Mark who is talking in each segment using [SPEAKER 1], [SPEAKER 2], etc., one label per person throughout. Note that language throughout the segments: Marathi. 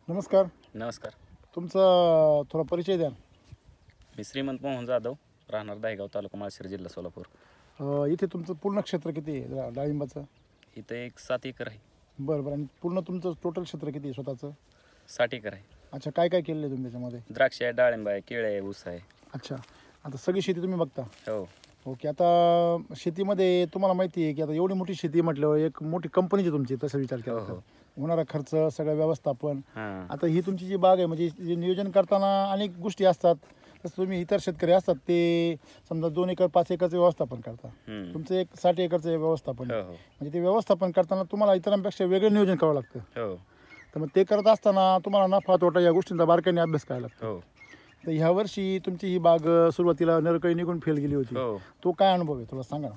[SPEAKER 1] नमस्कार.
[SPEAKER 2] नमस्कार.
[SPEAKER 1] तुमचा थोडा परिचय द्या.
[SPEAKER 2] मी श्रीमंत मोहन जाधव, राहणार दायगाव, तालुका माळशिरस, जिल्हा सोलापूर.
[SPEAKER 1] इथे तुमचं पूर्ण क्षेत्र किती आहे डाळिंबाचं?
[SPEAKER 2] इथं एक 7 एकर आहे.
[SPEAKER 1] बरं बरं. आणि पूर्ण तुमचं टोटल क्षेत्र किती आहे स्वतःचं?
[SPEAKER 2] 60 एकर आहे.
[SPEAKER 1] अच्छा, काय काय केलेलं आहे तुम्ही त्याच्यामध्ये?
[SPEAKER 2] द्राक्ष आहे, डाळिंब आहे, केळे आहे, ऊस आहे.
[SPEAKER 1] अच्छा, आता सगळी शेती तुम्ही बघता?
[SPEAKER 2] हो.
[SPEAKER 1] ओके. आता शेतीमध्ये तुम्हाला माहिती आहे की आता एवढी मोठी शेती म्हटल्यावर एक मोठी कंपनीची तुमची, तसा विचार केला
[SPEAKER 2] हो,
[SPEAKER 1] तर
[SPEAKER 2] हो.
[SPEAKER 1] होणारा खर्च, सगळं व्यवस्थापन.
[SPEAKER 2] हां.
[SPEAKER 1] आता ही तुमची जी बाग आहे, म्हणजे जे नियोजन करताना अनेक गोष्टी असतात. तसं तुम्ही इतर शेतकरी असतात ते समजा 2 एकर 5 एकरचं व्यवस्थापन करता.
[SPEAKER 2] हम्म.
[SPEAKER 1] तुमचं एक 60 एकरचं व्यवस्थापन आहे.
[SPEAKER 2] हो, हो.
[SPEAKER 1] म्हणजे ते व्यवस्थापन करताना तुम्हाला इतरांपेक्षा वेगळं नियोजन करावं लागतं.
[SPEAKER 2] हो,
[SPEAKER 1] तर मग ते करत असताना तुम्हाला नफा तोटा या गोष्टींचा बारकाईने अभ्यास करायला लागतो.
[SPEAKER 2] हो,
[SPEAKER 1] तर ह्या वर्षी तुमची ही बाग सुरुवातीला नरकळी निघून फेल गेली होती.
[SPEAKER 2] हो.
[SPEAKER 1] तो काय अनुभव आहे थोडा सांगा ना.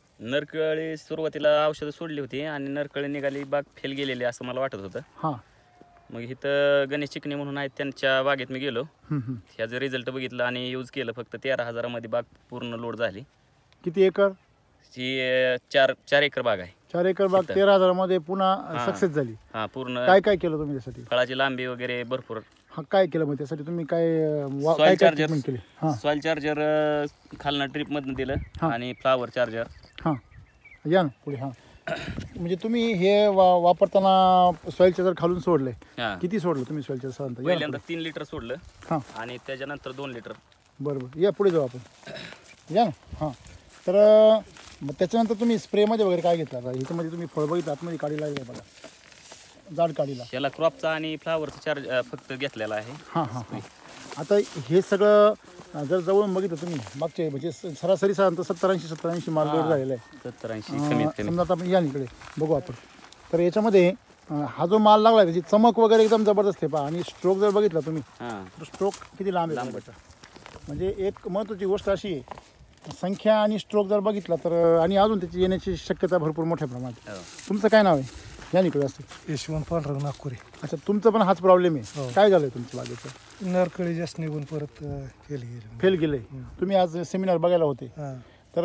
[SPEAKER 2] नरकळी सुरुवातीला औषधं सोडली होती आणि नरकळी निघाली, बाग फेल गेलेली असं मला वाटत होतं.
[SPEAKER 1] हां.
[SPEAKER 2] मग इथं गणेश चिकणे म्हणून आहेत, त्यांच्या बागेत मी गेलो.
[SPEAKER 1] हं, हं.
[SPEAKER 2] ह्याचं रिझल्ट बघितलं आणि यूज केलं. फक्त 13,000 बाग पूर्ण लोड झाली.
[SPEAKER 1] किती एकर?
[SPEAKER 2] ही 4 एकर बाग आहे.
[SPEAKER 1] 4 एकर बाग
[SPEAKER 2] तिथं.
[SPEAKER 1] 13,000 मध्ये पुन्हा
[SPEAKER 2] हां.
[SPEAKER 1] सक्सेस झाली.
[SPEAKER 2] हां, पूर्ण
[SPEAKER 1] काय काय केलं तुम्ही त्यासाठी?
[SPEAKER 2] फळाची लांबी वगैरे भरपूर.
[SPEAKER 1] हा, काय केलं मग त्यासाठी तुम्ही काय काय
[SPEAKER 2] सॉइल
[SPEAKER 1] काय
[SPEAKER 2] चार्जर
[SPEAKER 1] ट्रीटमेंट केली? हां
[SPEAKER 2] सॉइल चार्जर खालनं ट्रिपमधनं दिलं
[SPEAKER 1] हां.
[SPEAKER 2] आणि फ्लावर चार्जर.
[SPEAKER 1] हां, या ना पुढे. हां, म्हणजे तुम्ही हे वापरताना सॉईल चार्जर खालून सोडलंय.
[SPEAKER 2] हां.
[SPEAKER 1] किती सोडलं तुम्ही सॉईल चार्जर सांगता? या ना
[SPEAKER 2] पहिल्यांदा
[SPEAKER 1] पुढे.
[SPEAKER 2] 3 लिटर सोडलं
[SPEAKER 1] हां,
[SPEAKER 2] आणि त्याच्यानंतर 2 लिटर.
[SPEAKER 1] बरं बरं. या पुढे जाऊ आपण. या ना. हां, तर मग त्याच्यानंतर तुम्ही स्प्रेमध्ये वगैरे काय घेतलं? आता ह्याच्यामध्ये तुम्ही फळ बघितलं, आतमध्ये काढी लागली आहे बघा, जाड काढीला.
[SPEAKER 2] याला क्रॉपचा आणि फ्लावरचा चार्ज फक्त घेतलेला आहे.
[SPEAKER 1] हां हां हां. आता हे सगळं जर जवळून बघितलं तुम्ही मागचे, म्हणजे सरासरी साधारणतः 70-80 माल लोड झालेला आहे.
[SPEAKER 2] 70-80 कमीत कमी.
[SPEAKER 1] समजा आता आपण या इकडे बघू आपण. तर याच्यामध्ये हा जो माल लागला आहे त्याची चमक वगैरे एकदम जबरदस्त आहे पहा. आणि स्ट्रोक जर बघितला तुम्ही
[SPEAKER 2] हां.
[SPEAKER 1] तर स्ट्रोक किती लांब आहे
[SPEAKER 2] लांब
[SPEAKER 1] लांबाचा. म्हणजे एक महत्त्वाची गोष्ट अशी आहे, संख्या आणि स्ट्रोक जर बघितला तर, आणि अजून त्याची येण्याची शक्यता भरपूर मोठ्या प्रमाणात.
[SPEAKER 2] हो.
[SPEAKER 1] तुमचं काय नाव आहे? या इकडे असते.
[SPEAKER 3] यशवंत पांढरं नागपुरे.
[SPEAKER 1] अच्छा, तुमचं पण हाच प्रॉब्लेम आहे.
[SPEAKER 3] हो.
[SPEAKER 1] काय झालं तुमच्या बागेचं?
[SPEAKER 3] नरकळी जास्त निघून परत फेल गेली.
[SPEAKER 1] फेल गेले. तुम्ही आज सेमिनार बघायला होते.
[SPEAKER 3] हां,
[SPEAKER 1] तर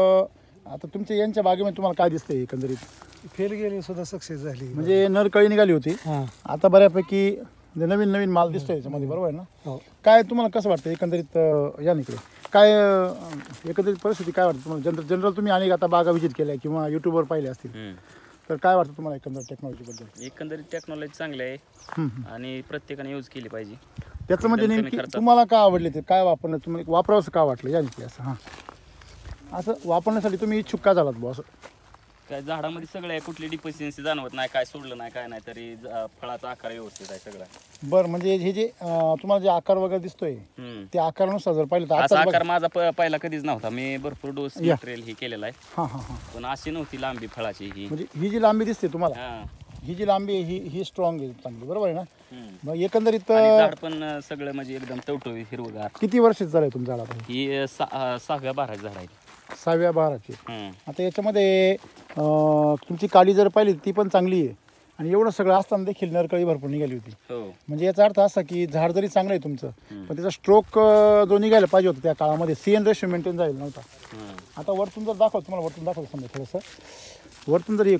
[SPEAKER 1] आता तुमच्या यांच्या बागेमध्ये तुम्हाला काय दिसतंय एकंदरीत?
[SPEAKER 3] फेल गेली सुद्धा सक्सेस झाली.
[SPEAKER 1] म्हणजे नरकळी निघाली होती,
[SPEAKER 3] हां,
[SPEAKER 1] आता बऱ्यापैकी नवीन नवीन माल दिसतोय याच्यामध्ये, बरोबर आहे ना?
[SPEAKER 3] हो.
[SPEAKER 1] काय तुम्हाला कसं वाटतं एकंदरीत? या इकडे काय एकंदरीत परिस्थिती काय वाटतं तुम्हाला? जनरल तुम्ही अनेक आता बागा व्हिजिट केल्या किंवा यूट्यूबवर पाहिले असतील,
[SPEAKER 2] हम्म.
[SPEAKER 1] तर काय वाटतं तुम्हाला एकंदर टेक्नॉलॉजीबद्दल?
[SPEAKER 2] एकंदरीत टेक्नॉलॉजी चांगली आहे
[SPEAKER 1] हं, हं.
[SPEAKER 2] आणि प्रत्येकाने यूज केली पाहिजे.
[SPEAKER 1] त्याचं म्हणजे
[SPEAKER 2] कमी
[SPEAKER 1] नेमकी
[SPEAKER 2] खर्चात.
[SPEAKER 1] तुम्हाला काय आवडले, ते काय वापरणं तुम्हाला वापरावंसं का वाटलं? या इकडे असं. हां, असं वापरण्यासाठी तुम्ही इच्छुक का झालात बुवा असं?
[SPEAKER 2] काय झाडामध्ये सगळं आहे, कुठली डिफिशियन्सी जाणवत नाही, काय सोडलं नाही, काय नाही, तरी फळाचा आकार व्यवस्थित आहे सगळा.
[SPEAKER 1] बरं, म्हणजे हे जे तुम्हाला जे आकार वगैरे दिसतोय
[SPEAKER 2] हम्म.
[SPEAKER 1] त्या आकारानुसार जर पाहिलं तर
[SPEAKER 2] असा
[SPEAKER 1] आता
[SPEAKER 2] आकार माझा पहिला कधीच नव्हता. मी भरपूर डोस
[SPEAKER 1] या.
[SPEAKER 2] मटेरियल हे केलेलं आहे,
[SPEAKER 1] हां हां हां.
[SPEAKER 2] पण अशी नव्हती लांबी फळाची ही.
[SPEAKER 1] म्हणजे ही जी लांबी दिसते तुम्हाला,
[SPEAKER 2] हां.
[SPEAKER 1] ही जी लांबी आहे ही स्ट्रॉंग आहे, चांगली, बरोबर आहे ना?
[SPEAKER 2] हम्म.
[SPEAKER 1] मग एकंदरीत
[SPEAKER 2] आणि झाड पण सगळं म्हणजे एकदम टवटवीत हिरवगार.
[SPEAKER 1] किती वर्षाचं झालं आहे तुमचं झाड आता?
[SPEAKER 2] ही 6व्या 12 झाड आहे.
[SPEAKER 1] 6व्या 12ची.
[SPEAKER 2] हम्म.
[SPEAKER 1] आता याच्यामध्ये तुमची काडी जर पाहिली ती पण चांगली आहे, आणि एवढं सगळं असताना देखील नरकळी भरपूर निघाली होती.
[SPEAKER 2] हो.
[SPEAKER 1] म्हणजे याचा अर्थ असा की झाड जरी चांगलं आहे तुमचं,
[SPEAKER 2] हम्म.
[SPEAKER 1] पण त्याचा स्ट्रोक जो निघायला पाहिजे होता त्या काळामध्ये, CN रेशो मेंटेन झालेला नव्हता.
[SPEAKER 2] हम्म.
[SPEAKER 1] आता वरतून जर दाखवतो तुम्हाला, वरतून दाखवतो समजा थोडंसं, वरतून जर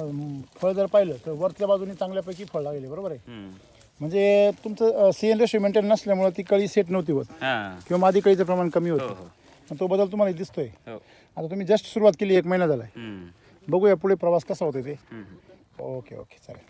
[SPEAKER 1] फळ जर पाहिलं तर वरच्या बाजूने चांगल्यापैकी फळ लागले, बरोबर आहे?
[SPEAKER 2] हम्म.
[SPEAKER 1] म्हणजे तुमचं CN रेशो मेंटेन नसल्यामुळे ती कळी सेट नव्हती होत,
[SPEAKER 2] हां.
[SPEAKER 1] किंवा मादी कळीचं प्रमाण कमी
[SPEAKER 2] हो,
[SPEAKER 1] होतं.
[SPEAKER 2] हो.
[SPEAKER 1] आणि तो बदल तुम्हाला दिसतोय.
[SPEAKER 2] हो.
[SPEAKER 1] आता तुम्ही जस्ट सुरुवात केली, 1 महिना झाला आहे.
[SPEAKER 2] हम्म.
[SPEAKER 1] बघूया पुढे प्रवास कसा होतो ते.
[SPEAKER 2] हम्म.
[SPEAKER 1] ओके ओके, चालेल.